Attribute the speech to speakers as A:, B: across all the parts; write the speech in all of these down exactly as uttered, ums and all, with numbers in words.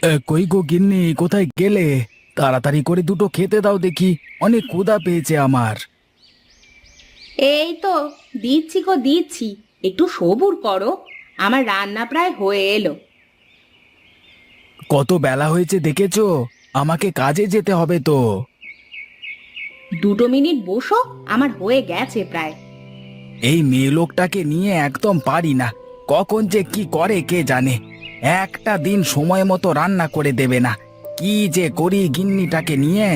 A: এ, কই গো গিন্নি, কোথায় গেলে? তাড়াতাড়ি করে দুটো খেতে দাও দেখি, অনেক ক্ষুধা পেয়েছে আমার।
B: এই তো দিচ্ছি গো দিচ্ছি। একটু সবুর করো, আমার রান্না প্রায় হয়ে এলো।
A: কত বেলা হয়েছে দেখেছো? আমাকে কাজে যেতে হবে তো।
B: দুটো মিনিট বসো, আমার হয়ে গেছে প্রায়।
A: এই মেয়ে লোকটাকে নিয়ে একদম পারি না। কখন যে কি করে কে জানে। একটা দিন সময় মতো রান্না করে দেবে না। কি যে করি গিন্নিটাকে নিয়ে।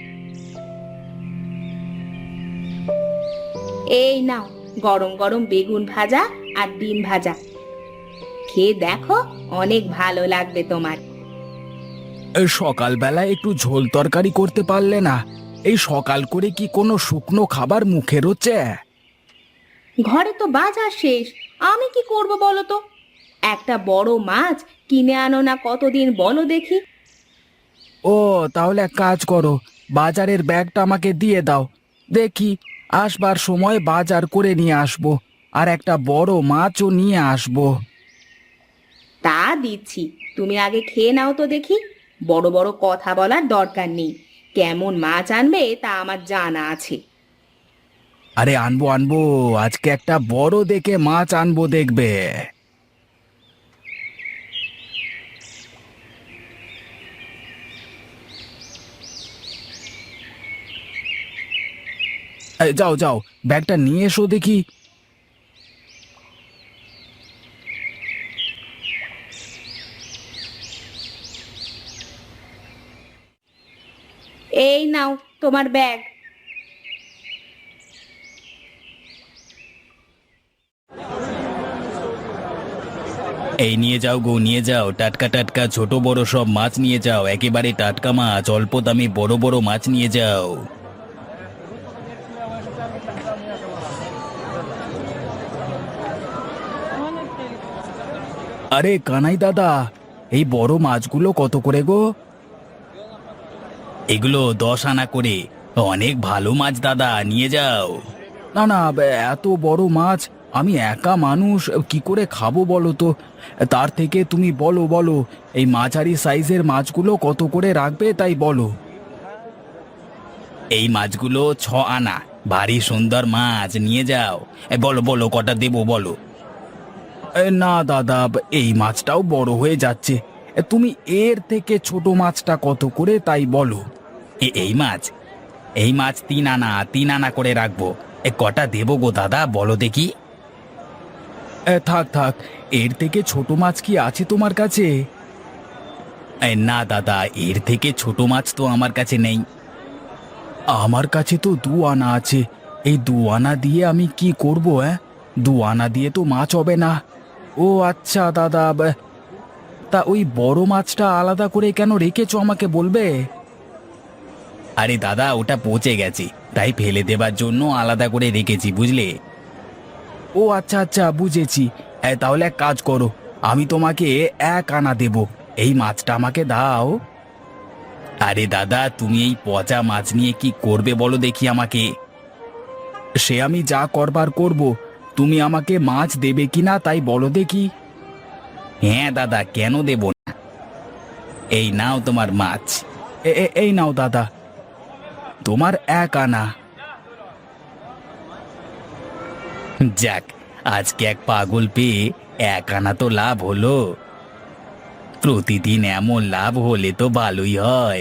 B: এই নাও, গরম গরম বেগুন ভাজা আর ডিম ভাজা, খেয়ে দেখো, অনেক ভালো লাগবে তোমার।
A: এ, সকালবেলা একটু ঝোল তরকারি করতে পারলে না? এই সকাল করে কি কোনো শুকনো খাবার মুখে রোচে?
B: ঘরে তো বাজার শেষ, আমি কি করব বলো তো? একটা বড় মাছ কিনে আনো না, কতদিন বলো দেখি।
A: ও, তাহলে এক কাজ করো, বাজারের ব্যাগটা আমাকে দিয়ে দাও। দেখি, আসবার সময় বাজার করে নিয়ে আসবো। আর একটা বড় মাছও নিয়ে আসবো।
B: তা দিচ্ছি, তুমি আগে খেয়ে নাও তো দেখি। বড় বড় কথা বলার দরকার নেই, কেমন মাছ আনবে তা আমার জানা আছে।
A: আরে আনবো আনবো, আজকে একটা বড় দেখে মাছ আনবো দেখবে। এই, যাও যাও, ব্যাগটা নিয়ে এসো দেখি।
B: এই নাও তোমার ব্যাগ।
A: এই নিয়ে যাও গো, নিয়ে যাও, টাটকা টাটকা ছোট বড় সব মাছ নিয়ে যাও, একেবারে টাটকা মাছ, অল্প দামে বড় বড় মাছ নিয়ে যাও। আরে কানাই দাদা, এই বড় মাছগুলো কত করে গো? এগুলো দশ আনা করে। অনেক ভালো মাছ দাদা, নিয়ে যাও। না না, বে- এত বড় মাছ আমি একা মানুষ কি করে খাবো বলো তো? তার থেকে তুমি বলো বলো, এই মাঝারি সাইজের মাছগুলো কত করে রাখবে তাই বলো। এই মাছগুলো ছ আনা, ভারী সুন্দর মাছ, নিয়ে যাও। এ, বলো বলো কটা দেবো বলো। এ, না দাদা, এই মাছটাও বড় হয়ে যাচ্ছে। এ, তুমি এর থেকে ছোট মাছটা কত করে তাই বলো। এ, এই মাছ এই মাছ তিন আনা, তিন আনা করে রাখবো। এ, কটা দেবো গো দাদা বলো দেখি। এ, থাক থাক, এর থেকে ছোট মাছ কি আছে তোমার কাছে? এ, না দাদা, এর থেকে ছোট মাছ তো আমার কাছে নেই। আমার কাছে তো দু আনা আছে। এই দু আনা দিয়ে আমি কি করব? হ্যাঁ, দু আনা দিয়ে তো মাছ হবে না। ও আচ্ছা দাদা, ব- তা ওই বড় মাছটা আলাদা করে কেন রেখেছো আমাকে বলবে? আরে দাদা, ওটা পচে গেছে, তাই ফেলে দেবার জন্য আলাদা করে রেখেছি বুঝলে। ও আচ্ছা আচ্ছা, বুঝেছি। এ, তাহলে এক কাজ করো, আমি তোমাকে এক আনা দেব, এই মাছটা আমাকে দাও। আরে দাদা, তুমি এই পচা মাছ নিয়ে কি করবে বলো দেখি আমাকে। সে আমি যা করবার করব, তুমি আমাকে মাছ দেবে কিনা তাই বলো দেখি। হ্যাঁ দাদা, কেন দেব না। এই নাও তোমার মাছ। এ, এ, এই নাও দাদা, তোমার এক আনা। যাক, আজকে এক পাগল পেয়ে এক আনা তো লাভ হলো। প্রতিদিন এমন লাভ হলে তো ভালোই হয়।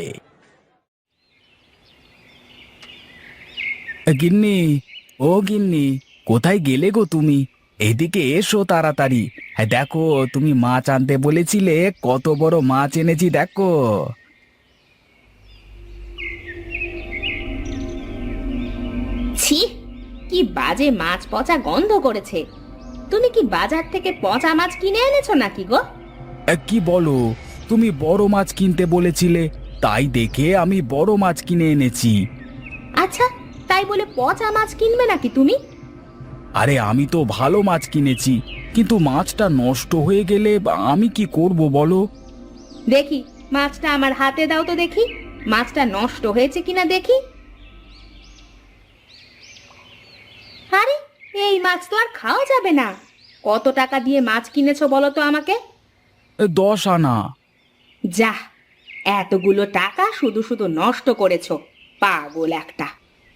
A: গিন্নি, ও গিন্নি, কোথায় গেলে গো তুমি? এদিকে এসো তাড়াতাড়ি। হ্যাঁ দেখো, তুমি মাছ আনতে বলেছিলে, কত বড় মাছ এনেছি দেখো।
B: ছি, কি বাজে মাছ পচা গন্ধ করেছে। তুমি কি বাজার থেকে পচা মাছ কিনে এনেছো নাকি গো?
A: এ, কি বলো? তুমি বড় মাছ কিনতে বলেছিলে, তাই দেখে আমি বড় মাছ কিনে এনেছি।
B: আচ্ছা, তাই বলে পচা মাছ কিনবে নাকি তুমি?
A: আরে আমি তো ভালো মাছ কিনেছি, কিন্তু মাছটা নষ্ট হয়ে গেলে আমি কি করব বলো?
B: দেখি, মাছটা আমার হাতে দাও তো দেখি, মাছটা নষ্ট হয়েছে কিনা দেখি। আরে, এই মাছ তো আর খাওয়া যাবে না। কত টাকা দিয়ে মাছ কিনেছো বলো তো আমাকে?
A: এ, দশ আনা।
B: যা, এতগুলো টাকা শুধু শুধু নষ্ট করেছো, পাগল একটা।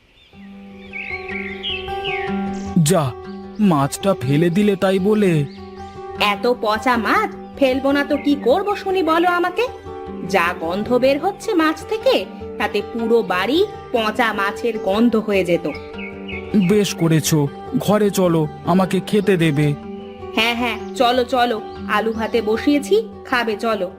A: যা, মাছটা ফেলে দিলে তাই বলে?
B: এত পচা মাছ ফেলবো না তো কি করব শুনি বলো আমাকে? যা গন্ধ বের হচ্ছে মাছ থেকে, তাতে পুরো বাড়ি পচা মাছের গন্ধ হয়ে যেত।
A: বেশ করেছো, ঘরে চলো, আমাকে খেতে দেবে।
B: হ্যাঁ হ্যাঁ, চলো চলো, আলু ভাতে বসিয়েছি, খাবে চলো।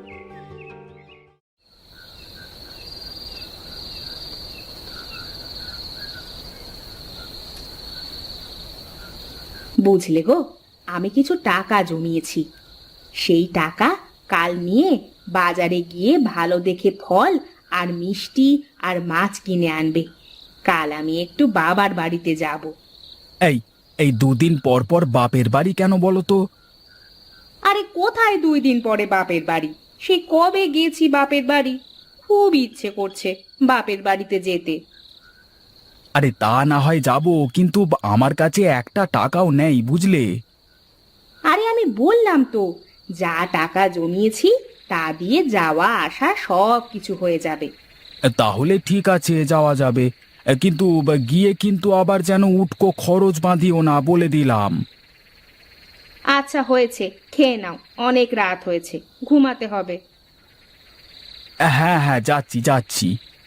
B: বুঝলে গো, আমি কিছু টাকা জমিয়েছি। সেই টাকা কাল নিয়ে বাজারে গিয়ে ভালো দেখে ফল আর মিষ্টি আর মাছ কিনে আনবে। কাল আমি একটু বাবার বাড়িতে যাব।
A: এই এই দুদিন পর পর বাপের বাড়ি কেন বলো তো?
B: আরে কোথায় দুই দিন পরে বাপের বাড়ি? সে কবে গেছি বাপের বাড়ি, খুব ইচ্ছে করছে বাপের বাড়িতে যেতে।
A: আরে তা না হয় যাব, কিন্তু আমার কাছে একটা টাকাও নেই, বুঝলে?
B: আরে আমি বললাম তো, যা টাকা জমিয়েছি তা দিয়ে যাওয়া আসা সব কিছু হয়ে যাবে।
A: তাহলে ঠিক আছে, যাওয়া যাবে, কিন্তু গিয়ে কিন্তু আবার যেন উটকো খরচ বাঁধিও না, বলে দিলাম।
B: আচ্ছা হয়েছে, খেয়ে নাও, অনেক রাত হয়েছে, ঘুমাতে হবে।
A: হ্যাঁ হ্যাঁ, যাচ্ছি যাচ্ছি।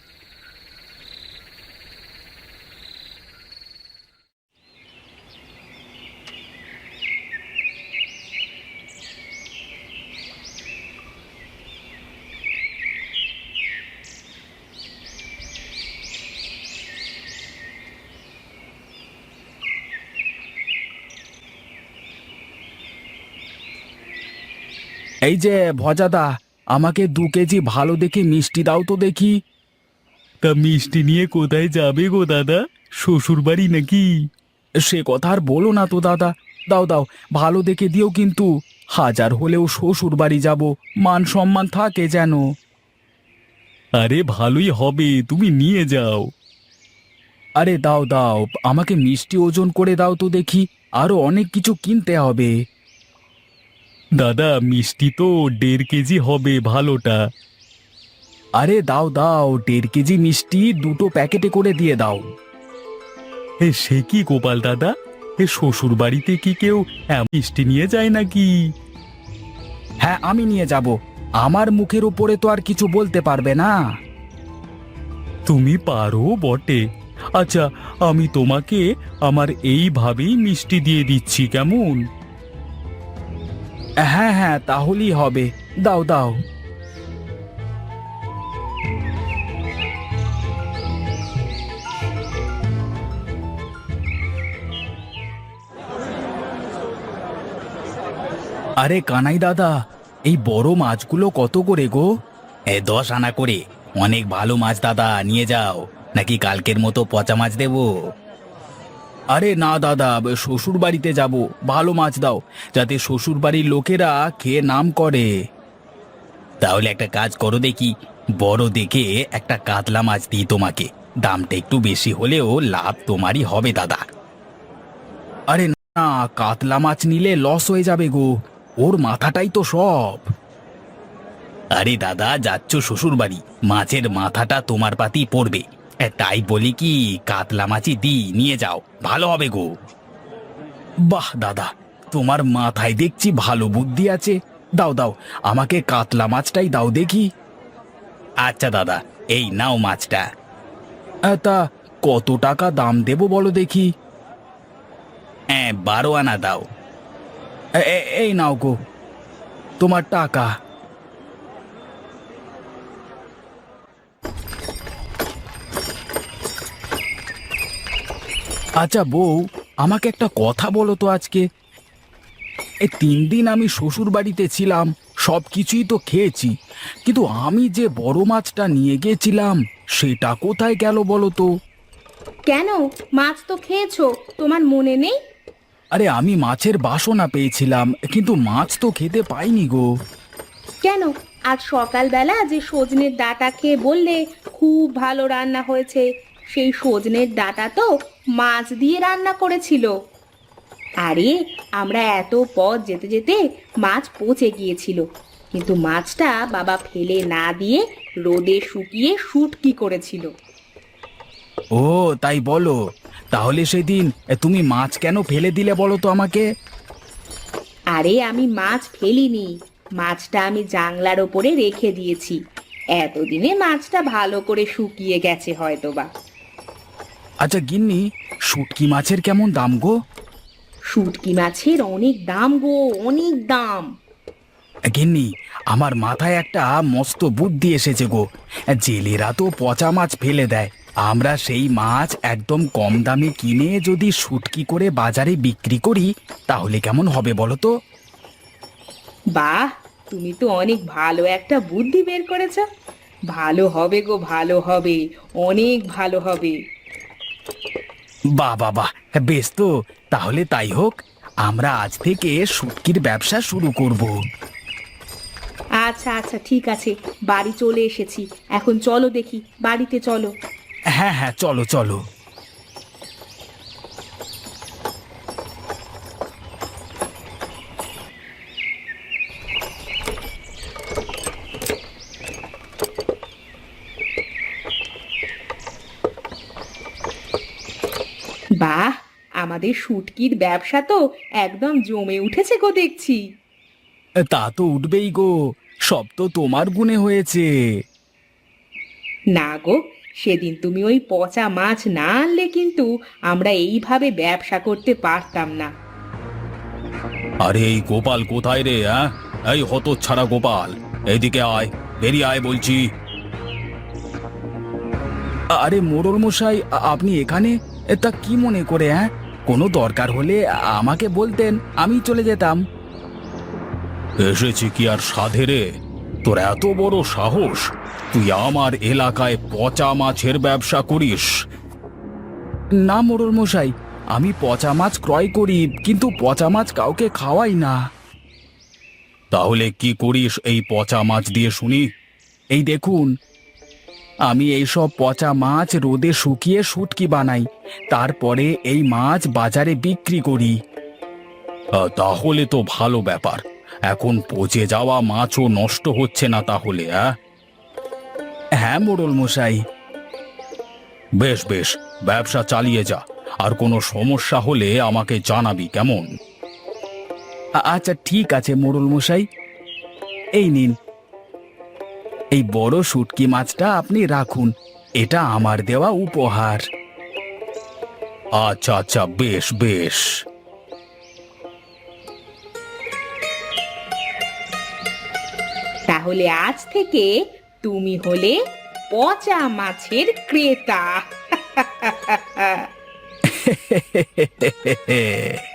A: এই যে ভজাদা, আমাকে দু কেজি ভালো দেখে মিষ্টি দাও তো দেখি। তা মিষ্টি নিয়ে কোথায় যাবে গো দাদা? শ্বশুর বাড়ি নাকি? সে কথা আর বলো না তো দাদা, দাও দাও, ভালো দেখে দিও কিন্তু। হাজার হলেও শ্বশুর বাড়ি যাব, মান সম্মান থাকে যেন। আরে ভালোই হবে, তুমি নিয়ে যাও। আরে দাও দাও, আমাকে মিষ্টি ওজন করে দাও তো দেখি, আরো অনেক কিছু কিনতে হবে। দাদা মিষ্টি তো দেড় কেজি হবে ভালোটা। আরে দাও দাও, দেড় কেজি মিষ্টি দুটো প্যাকেটে করে দিয়ে দাও। এ সে কি গোপাল দাদা, এ শ্বশুর বাড়িতে কি কেউ এমন মিষ্টি নিয়ে যায় নাকি? হ্যাঁ আমি নিয়ে যাব, আমার মুখের উপরে তো আর কিছু বলতে পারবে না। তুমি পারো বটে। আচ্ছা, আমি তোমাকে আমার এইভাবেই মিষ্টি দিয়ে দিচ্ছি, কেমন? হ্যাঁ হ্যাঁ, তাহলেই হবে, দাও দাও। আরে কানাই দাদা, এই বড় মাছগুলো কত করে গো? এ দশ আনা করে। অনেক ভালো মাছ দাদা, নিয়ে যাও, নাকি কালকের মতো পচা মাছ দেব? আরে না দাদা, শ্বশুর বাড়িতে যাব, ভালো মাছ দাও, যাতে শ্বশুর বাড়ির লোকেরা খেয়ে নাম করে। তাহলে একটা কাজ করো দেখি, বড় দেখে একটা কাতলা মাছ দিই তোমাকে, দামটা একটু বেশি হলেও লাভ তোমারই হবে দাদা। আরে না, কাতলা মাছ নিলে লস হয়ে যাবে গো, ওর মাথাটাই তো সব। আরে দাদা, যাচ্ছ শ্বশুর বাড়ি, মাছের মাথাটা তোমার পাতেই পড়বে, এ, তাই বলি কি কাতলা মাছই দি, নিয়ে যাও, ভালো হবে গো। বাহ দাদা, তোমার মাথায় দেখছি ভালো বুদ্ধি আছে, দাও দাও, আমাকে কাতলা মাছটাই দাও দেখি। আচ্ছা দাদা, এই নাও মাছটা। আ, তা কত টাকা দাম দেবো বলো দেখি? হ্যাঁ, বারো আনা দাও। এ- এ- এই নাও গো, তোমার টাকা। আচ্ছা বউ, আমাকে একটা কথা বলো তো, আজকে এই তিন দিন আমি শ্বশুর বাড়িতে ছিলাম, সব কিছুই তো খেয়েছি, কিন্তু আমি যে বড় মাছটা নিয়ে গেছিলাম সেটা কোথায় গেল বলো তো?
B: কেন, মাছ তো খেয়েছো, তোমার মনে নেই?
A: আরে আমি মাছের বাসনা পেয়েছিলাম, কিন্তু মাছ তো খেতে পাইনি গো।
B: কেন, আজ সকালবেলা যে সজনের ডাঁটা খেয়ে বললে খুব ভালো রান্না হয়েছে, সেই সজনের ডাঁটা তো মাছ দিয়ে রান্না করেছিল। আরে আমরা এত পথ যেতে যেতে মাছ পচে গিয়েছিল, কিন্তু মাছটা বাবা ফেলে না দিয়ে রোদে শুকিয়ে শুটকি করেছিল।
A: ও তাই বলো। তাহলে সেদিন এ, তুমি মাছ কেন ফেলে দিলে বলো তো আমাকে?
B: আরে আমি মাছ ফেলিনি, মাছটা আমি জানলার ওপরে রেখে দিয়েছি। এতদিনে মাছটা ভালো করে শুকিয়ে গেছে হয়তোবা।
A: আচ্ছা গিন্নি, শুটকি মাছের কেমন দাম গো?
B: শুটকি মাছের অনেক দাম গো, অনেক দাম।
A: গিন্নি, আমার মাথায় একটা মস্ত বুদ্ধি এসেছে গো। জেলেরা তো পচা মাছ ফেলে দেয়, আমরা সেই মাছ একদম কম দামে কিনে যদি শুটকি করে বাজারে বিক্রি করি তাহলে কেমন হবে বলো তো?
B: বাহ, তুমি তো অনেক ভালো একটা বুদ্ধি বের করেছ। ভালো হবে গো, ভালো হবে, অনেক ভালো হবে।
A: বাহ বাহ বাহ, বেশ তো। তাহলে তাই হোক, আমরা আজ থেকে শুটকির ব্যবসা শুরু করব।
B: আচ্ছা আচ্ছা, ঠিক আছে, বাড়ি চলে এসেছি। এখন চলো দেখি, বাড়িতে চলো।
A: হ্যাঁ হ্যাঁ, চলো চলো।
B: বাহ, আমাদের শুটকির ব্যবসা তো একদম জমে উঠেছে গো দেখছি।
A: তা তো উঠবেই গো, সব তো তোমার গুণে হয়েছে।
B: না গো, সেদিন তুমি ওই পচা মাছ না আনলে কিন্তু আমরা এইভাবে ব্যবসা করতে পারতাম না।
A: আরে এই গোপাল কোথায় রে? হ্যাঁ, এই হতচ্ছাড়া গোপাল, এইদিকে আয়, বেরিয়ে আয় বলছি। আরে মোড়ল মশাই, আ- আপনি এখানে? এ, তা কি মনে করে? হ্যাঁ, কোনো দরকার হলে আমাকে বলতেন, আমি চলে যেতাম। এসেছি কি আর সাধে রে? তোর এত বড় সাহস, তুই আমার এলাকায় পচা মাছের ব্যবসা করিস? না মোড়ল মশাই, আমি পচা মাছ ক্রয় করি, কিন্তু পচা মাছ কাউকে খাওয়াই না। তাহলে কি করিস এই পচা মাছ দিয়ে শুনি? এই দেখুন, আমি এই সব পচা মাছ রোদে শুকিয়ে শুটকি বানাই, তারপরে এই মাছ বাজারে বিক্রি করি। আহ, তাহলে তো ভালো ব্যাপার। এখন পচে যাওয়া মাছও নষ্ট হচ্ছে না তাহলে? আহ? হ্যাঁ মোড়ল মশাই। বেশ বেশ, ব্যবসা চালিয়ে যা। আর কোনো সমস্যা হলে আমাকে জানাবি, কেমন? আ- আচ্ছা ঠিক আছে মোড়ল মশাই। এই নিন, এই বড় শুটকি মাছটা আপনি রাখুন, এটা আমার দেওয়া উপহার। আচ্ছা আচ্ছা, বেশ বেশ।
B: তাহলে আজ থেকে তুমি হলে পচা মাছের ক্রেতা।